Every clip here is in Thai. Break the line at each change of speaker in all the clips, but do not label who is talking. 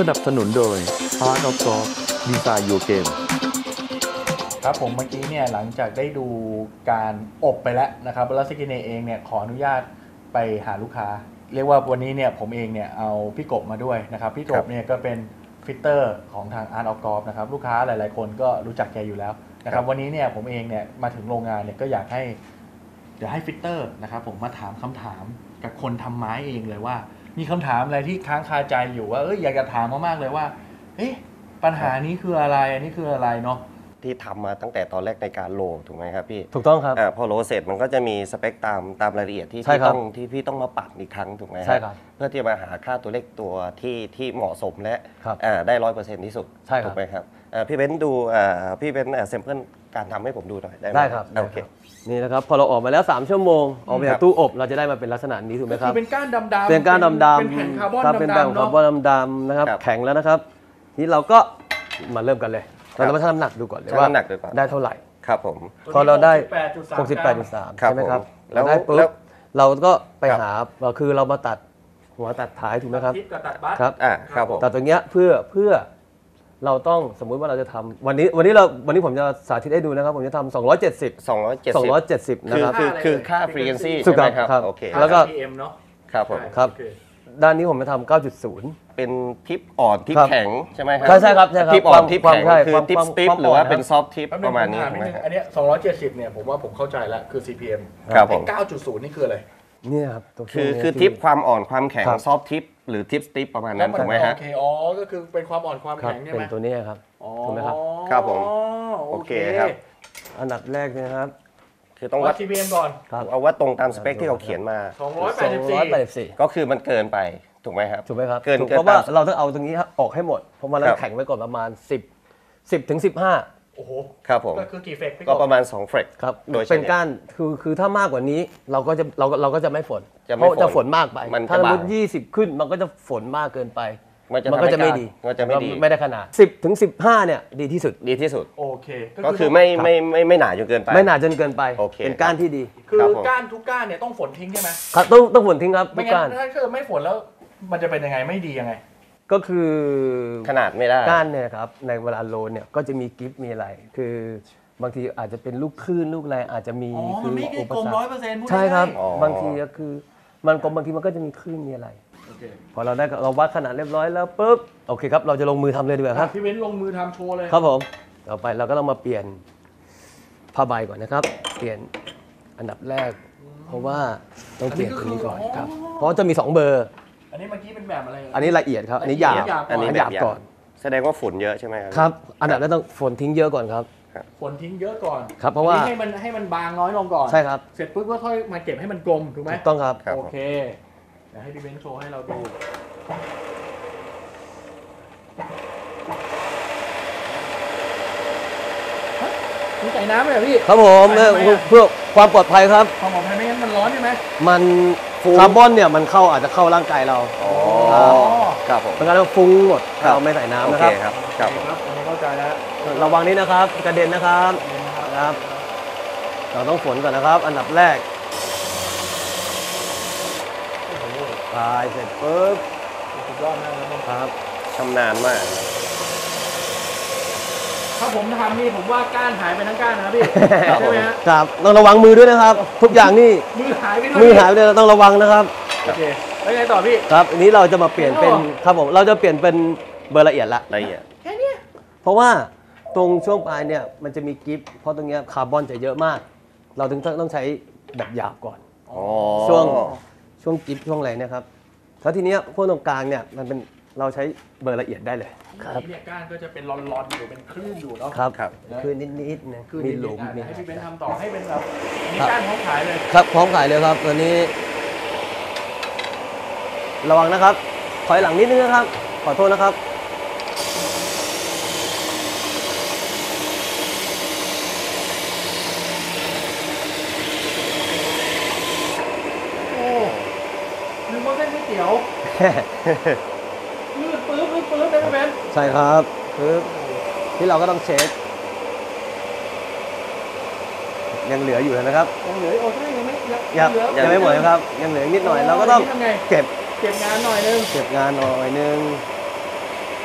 นับสนุนโดย Art of Golf Design Your Game
ครับผมเมื่อกี้เนี่ยหลังจากได้ดูการอบไปแล้วนะครับแล้วสกินเองเนี่ยขออนุญาตไปหาลูกค้าเรียกว่าวันนี้เนี่ยผมเองเนี่ยเอาพี่กบมาด้วยนะครับพี่กบเนี่ยก็เป็นฟิตเตอร์ของทาง Art of Golf นะครับลูกค้าหลายๆคนก็รู้จักแกอยู่แล้วนะครับวันนี้เนี่ยผมเองเนี่ยมาถึงโรงงานเนี่ยก็อยากให้ฟิตเตอร์นะครับผมมาถามคำถามกับคนทำไม้เองเลยว่ามีคำถามอะไรที่ค้างคาใจอยู่ว่าอยากจะถามมากๆเลยว่าปัญหานี้คืออะไรอันนี้คืออะไรเนาะ
ที่ทำมาตั้งแต่ตอนแรกในการโหลถูกไหมครับพี่
ถูกต้องครับ
พอโหลเสร็จมันก็จะมีสเปคตามรายละเอียดที่พี่ต้องมาปัดอีกครั้งถูกไหมครับเพื่อที่จะมาหาค่าตัวเลขตัวที่เหมาะสมและได้100%ที่สุดถูกไหมครับพี่เบนซ์ดูพี่เบนซ์แซมเปิลการทำให้ผมดูหน่อยได้ไหม
ได้ครับโอเคนี่นะครับพอเราออกมาแล้ว3ชั่วโมงออกมาจากตู้อบเราจะได้มาเป็นลักษณะนี้ถูกไหมครับ
เป็นก้านดำๆ
เป็นก้านดำๆ
เป็นแผ่นคาร์บอน
เป็นแผ่นคาร์บอนดำๆนะครับแข็งแล้วนะครับนี่เราก็มาเริ่มกันเลยเราจะมาชั่งน้ำหนักดูก่อนเลยว่าได้เท่าไหร่
ครับผม
พอเราได้ 68.3 ใช่ไหมครับแล้วได้ปุ๊บเราก็ไปหาคือเรามาตัดหัวตัดท้ายถูกไหมครับ
ครับครับผม
ตัดตรงเนี้ยเพื่อเราต้องสมมุติว่าเราจะทำวันนี้ผมจะสาธิตให้ดูนะครับผมจะทำ270นะครับ
คือค่า frequency ใช่ไหมครับโอเค
แล้วก็
PM เนาะ
ครับผม
ครับด้านนี้ผมจะทำ 9.0
เป็นทิปอ่อนทิปแข็งใช่ไหมครับ
ใช่ครับ
ทิปอ่อนทิปแข็งคือทิปสติปหรือว่าเป็นซอฟท์ทิปประมาณนี้ใช่ไหม
อันนี้270เนี่ยผมว่าผมเข้าใจแล้วคือ CPM
ครับผม
9.0 นี่คืออะไร
นี่ครับ
คือทิปความอ่อนความแข็งซอฟท์ทิปหรือทิปสติปประมาณนั้นถูกไหมฮะ
โอเคก็คือเป็นความอ่อนความแข็งใช่ไหม
เป็นตัวนี้ครับถูกไหมครับ
ครับผมโอเคครับ
อันดับแรกนะครับ
คือต้องวัด
CPM ก่อน
เอาว่าตรงตามสเปคที่เขาเขียนมา
284
ก็คือมันเกินไปถูกไหมครับ
ถูกไหมครับเพราะว่าเราต้องเอาตรงนี้ออกให้หมดเพราะมันแล้วแข็งไว้ก่อนประมาณ10 ถึง 15
โอ้โห
ครับผม
ก็คือกี่เฟก
ก็ประมาณ2เฟก
ครับโดยเป็นก้านคือถ้ามากกว่านี้เราก็จะไม่ฝนเพราะจะฝนมากไปถ้าสมมติ20ขึ้นมันก็จะฝนมากเกินไปมันก็จะไม่ดีไม่ได้ขนาด10 ถึง 15เนี่ยดีที่สุด
โอเค
ก็คือไม่หนาจนเกินไป
ไม่หนาจนเกินไปเป็นก้านที่ดี
คือก้านทุกก้านเนี่ยต้องฝนทิ้งใช่ไหม
ครับต้องฝนทิ้งครับ
ทุกก้านถ้าเกิดไม่ฝนแล้วมันจะเป็นยังไงไม่ดียังไง
ก็คือ
ขนาดไม่ได้
ก้านเนี่ยครับในเวลาโลนเนี่ยก็จะมีกิฟต์มีอะไรคือบางทีอาจจะเป็นลูกคลื่นลูกอะไรอาจจะมี
คืออุปสรรค
ใช่ครับบางทีก็คือมันกลมบางทีมันก็จะมีคลื่นมีอะไรพอเราวัดขนาดเรียบร้อยแล้วปุ๊บโอเคครับเราจะลงมือทำเลยดีกว่าครับ
พี่เว้นลงมือทำโชว์เลย
ครับผมต่อไปเราก็ต้องมาเปลี่ยนผ้าใบก่อนนะครับเปลี่ยนอันดับแรกเพราะว่าต้องเปลี่ยนตัวนี้ก่อนครับเพราะจะมี2เบอร์
อันนี้เมื่อกี้เป็นแบบอะไร
อันนี้ละเอียดครับอันนี้หยาบ
อันนี้
หยาบก่อน
แสดงว่าฝุ่นเยอะใช่ไหม
ครับอันดับแรกต้องฝนทิ้งเยอะก่อนครับ
ฝนทิ้งเยอะก่อน
ครับเพราะว่า
ให้มันบางน้อยลงก่อน
ใช่ครับ
เสร็จปุ๊บก็ค่อยมาเก็บให้มันกลมถูกไหม
ถูกต้องครับ
โอเคเดี๋ยวให้พี่เบนโชว์ให้เราดูมีใส่น้ำเลยพี่
ครับผมเพื่อความปลอดภัยครับ
ความปลอดภัยไม่งั้นมันร้อนใช่ไหม
มันคาร์บอนเนี่ยมันอาจจะเข้าร่างกายเรา
ครับผม
เป็นการฟุ้งหมดเราไม่ใส่น้ำนะครับ
ครับ
อันนี้เข้าใจแล้ว
ระวังนี้นะครับกระเด็นนะครับเราต้องฝนก่อนนะครับอันดับแรกทายเสร็จปุ๊บ
สุดยอดมาก
ครับ
ชำนาญมาก
ถ้าผมทำนี่ผมว่าก้านหายไปทั้งก้านนะครับพี่ใช่ไหมฮะ
ครับต้องระวังมือด้วยนะครับทุกอย่างนี่
มือหายไป
ด้วยต้องระวังนะครับ
โอเคแล้วไงต่อพี่
ครับอันนี้เราจะมาเปลี่ยนเป็นครับผมเราจะเปลี่ยนเป็นเบอร์ละเอียด
แค่นี้
เพราะว่าตรงช่วงปลายเนี่ยมันจะมีกิฟต์เพราะตรงนี้คาร์บอนจะเยอะมากเราถึงต้องใช้แบบหยาบก่อนช่วงกิฟต์ช่วงอะไรเนี่ยครับแล้วทีนี้พวกตรงกลางเนี่ยมันเป็นเราใช้เบอร์ละเอียดได้เลย
ครับเนี่ยก้านก็จะเป็นรอนๆอยู่เป็นคลื่นอยู่เนาะ
ครับคลื่นนิดๆนะมีหลุม
ให้พี่เบนทำต่อให้เป็นแบบมีก้านพร้อมขายเลย
ครับพร้อมขายเลยครับตัวนี้ระวังนะครับถอยหลังนิดนึงนะครับขอโทษนะครับ
โอ้นึกว่าเส้นก๋วยเตี๋ยวลื่นปื๊บได้ไหมเบน
ใช่ครับปึ๊บที่เราก็ต้องเช็คยังเหลืออยู่นะครับ
ยังเหลือโอ้ใช่ยัง
ไม่หมดครับยังเหลือนิดหน่อยเราก็ต้องเก็บ
เก็บงานหน่อยนึง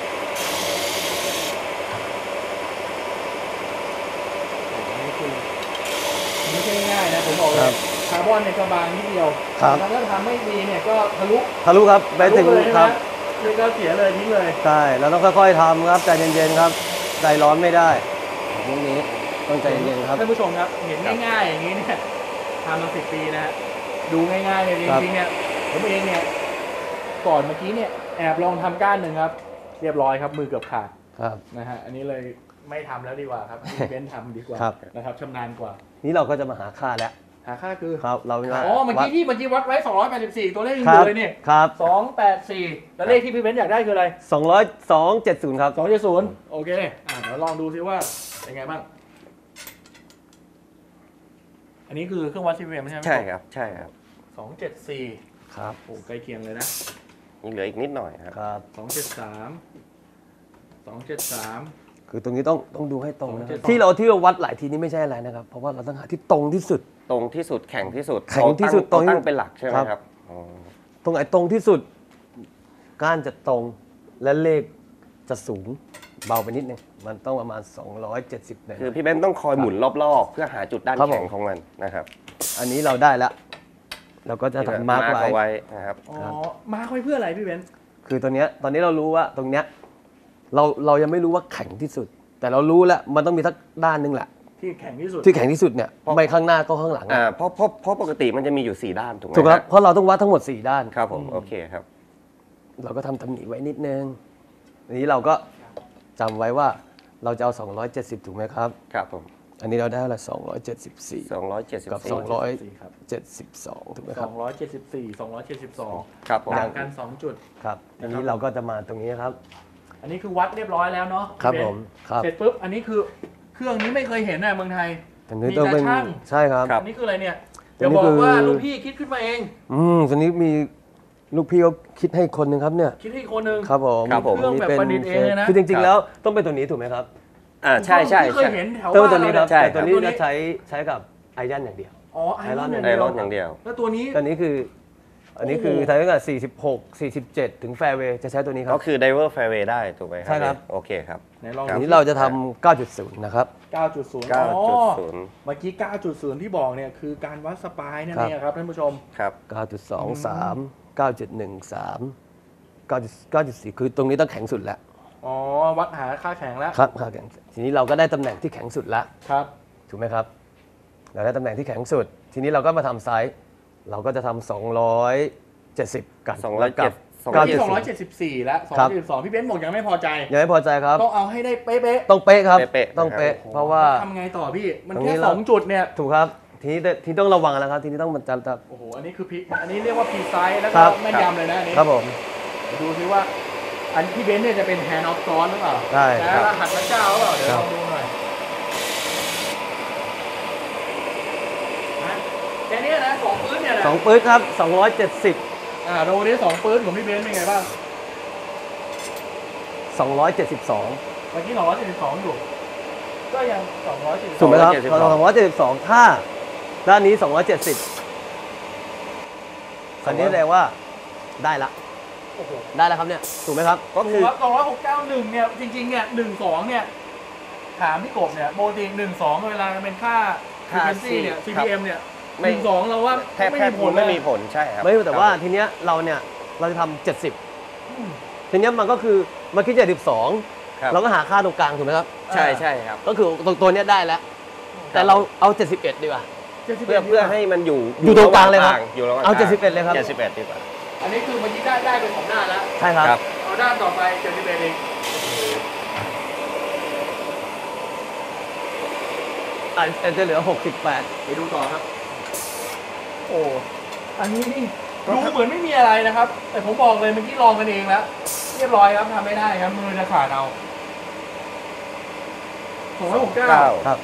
นะผมบอกเลยคาร์บอนเนี่ยก็บางนิดเดียว
ครับ
แล้วถ้าทำไม่ดีเนี่ยก็ทะลุ
ครับไปถึง
เลย
ครับ
เลยก็เสียเลยทิ้งเลย
ใช่เราต้องค่อยๆทำครับใจเย็นๆครับใจร้อนไม่ได้พวกนี้ต้องใจเย็นๆครับ
ท่านผู้ชมครับเห็นง่ายๆอย่างนี้เนี่ยทำมา10 ปีนะฮะดูง่ายๆเลยจริงๆเนี่ยผมเองเนี่ยก่อนเมื่อกี้เนี่ยแอบลองทำก้านหนึ่งครับเรียบร้อยครับมือเกือบขาด
ครับ
นะฮะอันนี้เลยไม่ทำแล้วดีกว่าครับให้เบนซ์ทำดีกว่า
ครับ
นะครับชำนาญกว่า
นี่เราก็จะมาหาค่าแล้ว
หาค่าคือ
ครับเรา
อ๋อเมื่อกี้วัดไว้284ตัวเลขยัง
ค
อ
รับ
ยู่เลยเนี่ย
ครับ
284แล้วเลขที่พี่เบนซ์อยากได้คืออะไร
270ครับ
270โอเคเดี๋ยวลองดูซิว่าเป็นไงบ้างอันนี้คือเครื่องวัด CPM ใช่ไหม
ใช่ครับใช่ครับ
274
ครับ
โอ้ใกล้เคียงเลยนะ
ยังเหลืออีกนิดหน่อยครับ
ครับ
273
คือตรงนี้ต้องดูให้ตรงนะครับ
272
ที่เราวัดหลายทีนี้ไม่ใช่อะไรนะครับ เพราะว่าเราต้องหาที่ตรงที่สุด
ตรงที่สุดแข็งที่สุด
แข็งที่สุด
เราตั้ง
ตรงที่
เป็นหลักใช่ไหม
ครับ
ครับอ๋อ
ตรงไหนตรงที่สุด ก้านจะตรงและเลขจะสูงเบาไปนิดนึงมันต้องประมาณ270เลย
คือพี่เบนซ์ต้องคอยหมุนรอบๆ เพื่อหาจุดด้าน
ครับผม
แข็งของมันนะครับ
อันนี้เราได้แล้วเราก็จะทำมาร์ก
เอา
ไว้
ไว้นะครับ
อ๋อมาร์คไว้เพื่ออะไรพี่เบนซ์
คือตอนนี้เรารู้ว่าตรงเนี้ยเรายังไม่รู้ว่าแข็งที่สุด แต่เรารู้แล้วมันต้องมีสักด้านหนึงแหละ
ที่แข็งที่สุด
ที่แข็งที่สุดเนี่ยไม่ข้างหน้าก็ข้างหลัง
เพราะปกติมันจะมีอยู่ 4 ด้านถูกไหม
ถูกครับ
ฮะ
เพราะเราต้องวัดทั้งหมด4ด้าน
ครับผมโอเคครับ
เราก็ทำตำหนิไว้นิดนึงอันนี้เราก็จำไว้ว่าเราจะเอา270ถูกไหมครับ
ครับผม
อันนี้เราได้ละ274
274
กับ
ครับ
272ถูกไหมครับ
274 272
ครับผม
ต่างกัน2จุด
ครับอันนี้เราก็จะมาตรงนี้ครับ
อันนี้คือวัดเรียบร้อยแล้วเนาะ
ครับ
พี่เบนซ์
ผมครับ
เสร็จปุ๊บอันนี้คือเครื่องนี้ไม่เคยเห็นนะเมืองไทย
อันนี้ต้องเป็น
มีตาช่าง
ใช่ครับ
อันนี้คืออะไรเนี่ย
อัน
เดี๋ยว
นี้
บอกว่า
คือ
ลูกพี่คิดขึ้นมาเอง
ตอนนี้มีลูกพี่เขาคิดให้คนหนึ่งครับเนี่ย
คิดให้อีกคนหนึง
ครับผม
ครับผม
เครื่องแบบประดิษฐ์เองเลยนะ
คือจริงๆแล้วต้องเป็นตัวนี้ถูกไหมครับ
ใช่ใช่
ที่เคย
ใช่
เห็นแถว
ต้อง
บ้า
เป็น
น
ตัวนี้
เรา
ครับ
ใช่
แต่ตัวนี้
ตัวนี้
จะใช้กับไอยันอย่างเดียว
อ๋อไอรอน
ไอ
ไอรอนอย่างเดียว
แล้วตัวนี้
ตัวนี้คืออันนี้คือ
โอ้โห
ใช้ตั้งแต่46 47 ถึงแฟร์เวย์จะใช้ตัวนี้ครั
ก็
บ
คือ diver fairway ได้ถูกไหมครับ
ใช่ครับ
โอเคครับ
ไหนลอง
อัน
ดู
นี้เราจะทำ 9.0 นะครับ
9.0 อ๋อ
9.0
เมื่อกี้ 9.0 ที่บอกเนี่ยคือการวัดสปายนั่น
ครับ
เองครับท่านผู้ชม
ครับ
9.23 9.13 9.4 คือตรงนี้ต้องแข็งสุดแล้ว
อ๋อ วัดหาค่าแข็งแล้ว
ครับแข็งทีนี้เราก็ได้ตำแหน่งที่แข็งสุดแล้ว
ครับ
ถูกไหมครับ เราได้ตำแหน่งที่แข็งสุด ทีนี้เราก็มาทำไซส์เราก็จะทำ270 กัน
207
กับ
ตอนนี้
9.0
274 แล้ว
ครับ
272พี่เบนซ์บอกยังไม่พอใจ
ยังไม่พอใจครับ
ต้องเอาให้ได้เป๊ะ
ต้องเป๊ะครับ
เป๊ะๆ
ต้องเป๊ะ
ๆ
เพราะว่า
ทำไงต่อพี่ มัน
ตรง
แค่
นี้เรา
2 จุดเนี่ย
ถูกครับ ทีนี้ต้องระวังแล้วครับ ทีนี้ต้องมันจะ
โอ้โห อันนี้คือพีอันนี้เรียกว่าพีไซส์แล้ว
ค
ก็
รับ
แม่นยำเลยนะอันนี้
ครับผม
เดี๋ยวดูซิว่า อันที่เบนซ์เนี่ยจะเป็นแฮนด์ออฟซ้อนหรือเปล่า
ใช่
แล้วรหัสพระเจ้าหรือเปล่า เดี๋ยว
ครั
ล
บ
องดูหน่อยนะแค่นี้นะ2ปื้นเนี่ยนะ
2ปื๊ดครับ 270
โรนี้2ปื้นของพี่เบนซ์เป็นไงบ้าง
272
เมื่อกี้272อยู่ ก็ยัง272
ถูกไหมครับ
272
เรา272 ถ้าด้านนี้ 270คันนี้แสดงว่าได้ละ
โอ้โห
ได้แล้วครับเนี่ย ถูกไหมครับ
ก็คือ
ครับ2691เนี่ย จริงๆเนี่ย12เนี่ย ถามพี่กบเนี่ยโมติ12เวลาเป็นค่า frequency เนี่ย CPM เนี่ย
ไม่
12เราว่า
แทบ
ไม่
แท
มี
บ
ผลเล
ไม่
ย
มีผลใช่ครับ
ไม่แต่ว่า
ครับ
ทีเนี้ยเราเนี่ยเราจะทำ
อืม
70 ทีเนี้ยมันก็คือเมื่อกี้
ครับ
72 เราก็หาค่าตรงกลางถูกไหมครับ
ใช่ใช่ครับ
ก็คือตัวเนี้ยได้แล้ว แต่เราเอา 71 ดีกว่า
71
เพื่อให้มันอยู่
อยู่ตรงกลางเลยครับ
อยู่ระหว่าง
เอา
กลง
71เลยครับ
71ดีกว่า
อันนี้คือเมื่อกี้ได้เป็น2ด้านแล้ว
ใช่ครับ
ครับ
เอาด้านต่อไป71เอง
จะเหลือ 68
ไปดูต่อครับ โอ้อันนี้นี่ดูเหมือนไม่มีอะไรนะครับ แต่ผมบอกเลยเมื่อกี้ลองกันเองแล้ว เรียบร้อยครับทำไม่ได้ครับ มือจะขาดเอา269
ครับ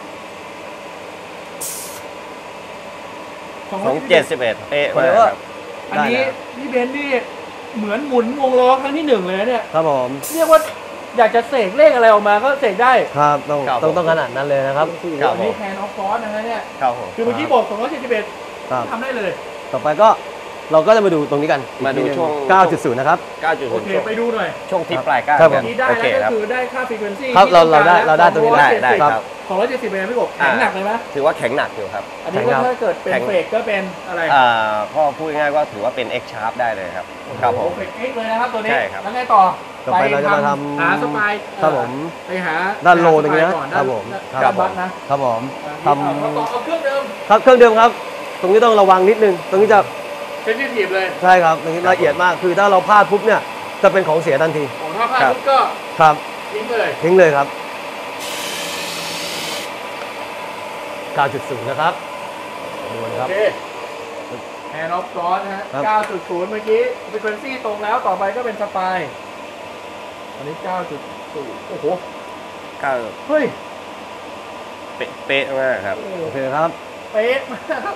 271เป๊ะ
ผม
มาก
เลยว่า
ครับ
อันนี้พี่เบนซ์นี่เหมือนหมุนวงล้อครั้งที่1เลยนะเนี่ย
ครับผม
เรียกว่าอยากจะเสกเลขอะไรออกมาก็เสกได้
ครับต้องขนาดนั้นเลยนะครับ
โอ้โห
ครับ
อันนี้แทนออฟซอสนะฮะเนี่ย
ครับผม
คือเมื่อกี้บอก271
ครับ
ทำได้เลย
ต่อไปก็เราก็จะมาดูตรงนี้กัน
มาดูช่วง
9.0 นะครับ
9.0
โอเคไปดูหน่อย
ช่วงที่ปลายก้าน
ครับผม
นี่ได้
โอเค
แล้ว
ครับ
ก็คือได้ค่า frequency
ครับ
ที่
เราได้ตรงนี้
ได้ครับ
270เป็นไงพี่กบแข็งหนักเลยไหม
ถือว่าแข็งหนักอยู่ครับ
อันนี้ก็ถ้าเกิดเป็นเฟกก็เป็นอะไร
ก็พูดง่ายๆว่าถือว่าเป็น X Sharp ได้เลยครับครับผม
เฟกเอ็กเลยนะครับตัวนี้
ใช่ครับ
แล้วไงต่อ
ต่อไปเราจะมาทำ
หาสปาย
ครับผม
ไปหา
ด้านโลตรงนี้นะ
ก่อ
ครับผม
ด้านบัตนะครับ
ผมท
เอาเครื่องเดิม
ำครับเครื่องเดิมครับ ตรงนี้ต้องระวังนิดนึง ตรงนี้จะ
เซนซิทีฟเลย
ใช่ครับตรงนี้ละเอียดมาก คือถ้าเราพลาดปุ๊บเนี่ยจะเป็นของเสียทันที
ของถ้าพลาดปุ๊บก็
ครับ
ทิ้งเลย
ทิ้งเลยครับ 9.0 นะครับดูนะค
โอ
รับ
เคแฮนด์ออฟซอสนะฮะ
ครับ
9.0 เมื่อกี้ frequency ตรงแล้วต่อไปก็เป็นสปายอันนี้ 9.0 โอ้โห
ก็
เฮ้ย
เป๊ะมากครับ
โอเคครับ
เป๊ะมากครับ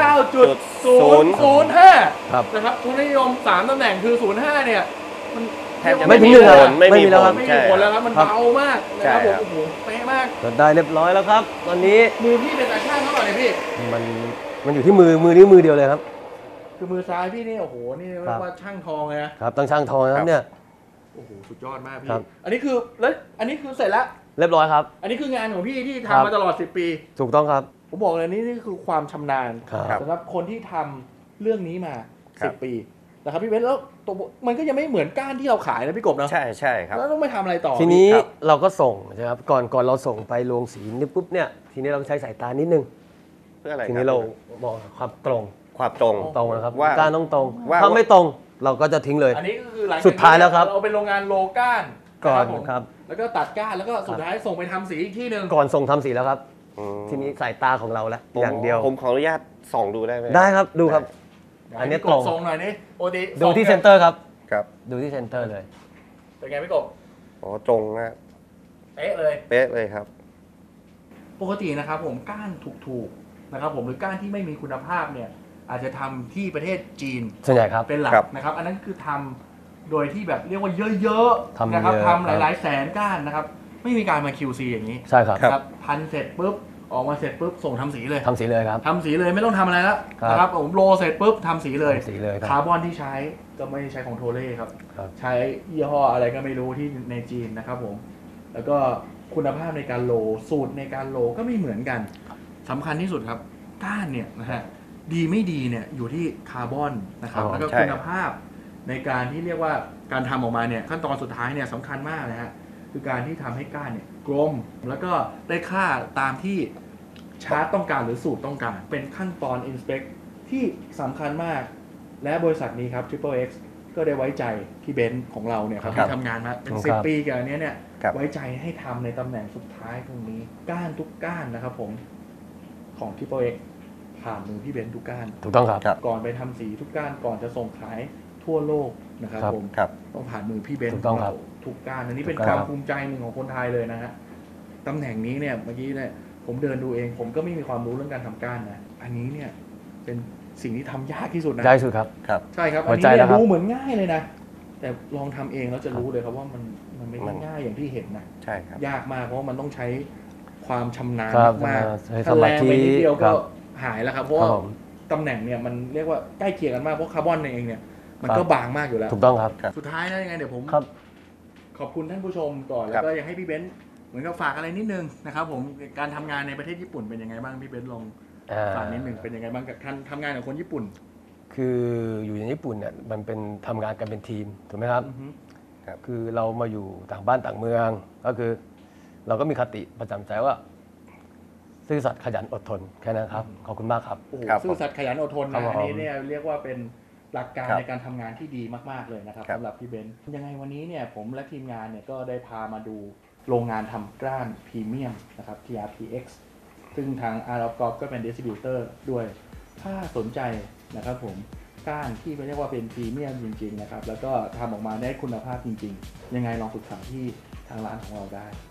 9.005
ครับ
นะครับทุนนิยม 3 ตำแหน่งคือ 05 เนี่ย มัน
แทบจะ
ไม่
ไม่
ถึ
มี
งหนึ่ง
ผ
ครั
ล
บ
ไม่
ไม่
มี
มีแล้ว
ผ
ครับ
ล
ไม่
ใช่
มีผลแล้วครับ มัน
ครับ
เบามากนะครับ
ใช่
ผม
ครับ
โอ้โหเป๊ะมาก
ได้เรียบร้อยแล้วครับ ตอนนี้
มือพี่เป็นตาช่างเท่าไหร่เนี่ยพี่
มันอยู่ที่มือนี้มือเดียวเลยครับ
คือมือซ้ายพี่นี่โอ้โห นี่เรียกว่าช่างทองเลยนะ
ครับต้องช่างทองนะครับเนี่ย
โอ้โห สุดยอดมากพี่
ครับ
อันนี้คือแล้วอันนี้คือเสร็จแล้ว
เรียบร้อยครับ
อันนี้คืองานของพี่ที่
ครับ
ทำมาตลอด 10 ปี
ถูกต้องครับ
ผมบอกเลยนี่คือความชำนาญ
ครับ
สำหรับคนที่ทำเรื่องนี้มา
ครับ
10 ปีนะครับพี่เบนซ์แล้วตัวมันก็ยังไม่เหมือนก้านที่เราขายนะพี่กบเนาะ
ใช่ใช่ครับ
แล้วต้องไปทำอะไรต่อ
ทีนี้
ครับ
เราก็ส่งนะครับก่อนเราส่งไปโรงสีนี่ปุ๊บเนี่ยทีนี้เราใช้สายตานิดนึง
เพื่ออะไร
ที
ค
นี้
บ
เรามองความตรง
ความตรง
ตรงนะครับ
ว่า
ก้านต้องตรง
ว่า
ถ้าไม่ตรงเราก็จะทิ้งเลย
อันนี้ก็คือหลังจก
สุดท้ายแล้วครับ
เราเป็นโรงงานโลก้าน
ก่อน
ผม
ครับ
แล้วก็ตัดก้านแล้วก็สุดท้ายส่งไปทำสีอีกที่หนึ่ง
ก่อนส่งทำสีแล้วครับ
อืม
ทีนี้สายตาของเราแล้ว
ผม
อย่างเดียว
ผมขออนุญาตส่องดูได้ไหม
ได้ครับดูครับ อันนี้
พี่ก
ตร
บ
ง
ส่งหน่อยนี่โอติ
ดูที่เซ็นเตอร์ครับ
ครับ
ดูที่เซ็นเตอร์เลย
เป็นไงพี่กบ
อ๋อตรงนะ
เป๊ะเลย
เป๊ะเลยครับ
ปกตินะครับผมก้านถูกๆนะครับผมหรือก้านที่ไม่มีคุณภาพเนี่ยอาจจะทำที่ประเทศจีน
ส่วนใหญ่ครับ
เป็นหลัก
ครับ
นะครับ อันนั้นคือทำโดยที่แบบเรียกว่าเยอะๆ
ทำ
นะครับ
เยอะ
ทำหลายๆแสนก้านนะครับ ไม่มีการมา QC อย่างนี้
ใช่ครับ
ครับพันเสร็จปุ๊บออกมาเสร็จปุ๊บส่งทำสีเลย
ทำสีเลยครับ
ทำสีเลยไม่ต้องทำอะไรแล้ว
ครับ
นะครับผมโลเสร็จปุ๊บทำสีเลย
ทำสีเลยครับ
คาร์บอนที่ใช้ก็ไม่ได้ใช้ของโทเล่ครับ
ครับ
ใช้ยี่ห้ออะไรก็ไม่รู้ที่ในจีนนะครับผมแล้วก็คุณภาพในการโลสูตรในการโลก็ไม่เหมือนกันสำคัญที่สุดครับก้านเนี่ยนะฮะดีไม่ดีเนี่ยอยู่ที่คาร์บอนนะครับ
อ๋อ
แล้วก็
ใช่
คุณภาพในการที่เรียกว่าการทำออกมาเนี่ยขั้นตอนสุดท้ายเนี่ยสำคัญมากนะฮะคือการที่ทำให้ก้านเนี่ยกลมแล้วก็ได้ค่าตามที่ชาร์ตต้องการหรือสูตรต้องการ เป็นขั้นตอน inspect ที่สำคัญมาก และบริษัทนี้ครับ Triple X ก็ได้ไว้ใจพี่เบนซ์ของเราเนี่ยครับ
ครับ
ที่ทำงานมาเป็น
ครับ
10 ปีกับอันเนี้ยเนี่ย
ครับ
ไว้ใจให้ทำในตำแหน่งสุดท้ายตรงนี้ก้านทุกก้านนะครับผมของ Triple X ผ่านมือพี่เบนซ์ทุกก้าน
ถูกต้องครับ
ครับ
ก่อนไปทำสีทุกก้านก่อนจะส่งขายทั่วโลกนะครับ
ครับ
ผม
ครับ
ต้องผ่านมือพี่เบนซ์
ถูกต้องครับ
ทุกก้านอันนี้เป็น
ถูก
ค
ต้
วา
อง
ม
ครับ
ภูมิใจหนึ่งของคนไทยเลยนะฮะตำแหน่งนี้เนี่ยเมื่อกี้เนี่ยผมเดินดูเอง ผมก็ไม่มีความรู้เรื่องการทำก้านนะอันนี้เนี่ยเป็นสิ่งที่ทำยากที่สุดนะ
ได้สุดครับ
ครับ
ใช่ครับ
หั
อั
วน
นี้
ใจ
เนี่
แล้
ยว
ครับ
ดูเหมือนง่ายเลยนะ แต่ลองทำเองแล้วจะรู้เลยครับว่ามันไม่ได้ง่ายอย่างที่เห็นนะ
ใช่ครับ
ยากมากเพราะว่ามันต้องใช้ความชำนาญ
ครับ
มาก
ใช้
ๆ
ส
ถ้า
มา
แรง
ธิ
ไปนิดเดียว
ครั
ก็
บ
หายแล้วครับเพราะ
ครั
ว่า
บผม
ตำแหน่งเนี่ยมันเรียกว่าใกล้เคียงกันมากเพราะคาร์บอนเองเนี่ยมันก็บางมากอยู่แล้ว
ถูกต้องครับ
สุดท้ายนะยังไงเดี๋ยวผม
ครับ
ขอบคุณท่านผู้ชมก่อน
ค
แล้
รั
ว
บ
ก็อยากให้พี่เบนซ์เหมือนกับฝากอะไรนิดนึงนะครับผมการทำงานในประเทศญี่ปุ่นเป็นยังไงบ้างพี่เบนซ์ลองฝากนิดนึงเป็นยังไงบ้างกับการทำงานกับคนญี่ปุ่น
คืออยู่ในญี่ปุ่นเนี่ยมันเป็นทำงานกันเป็นทีมถูกไหมครับ
อือฮึ
คือเรามาอยู่ต่างบ้านต่างเมือง ก็คือ เราก็มีคติประจำใจว่า ซื่อสัตย์ขยันอดทนแค่นั้นครับขอบคุณมากครับ
โอ้โห
ครับ
ซื่อสัตย์ขยันอดทน
ครั
นะ
บผม
อันนี้เนี่ยเรียกว่าเป็นหลักการ
ครับ
ในการทำงานที่ดีมากๆเลยนะครับ
ครับ
สำหรับพี่เบนซ์ยังไงวันนี้เนี่ยผมและทีมงานเนี่ยก็ได้พามาดูโรงงานทำกล้านพรีเมียมนะครับ TRPX ซึ่งทาง Art of Golf ก็เป็นดิสติบิวเตอร์ด้วย ถ้าสนใจนะครับผมก้านที่เรียกว่าเป็นพรีเมียมจริงๆนะครับแล้วก็ทำออกมาได้คุณภาพจริงๆ ยังไงลองปรึกษาที่ทางร้านของเราได้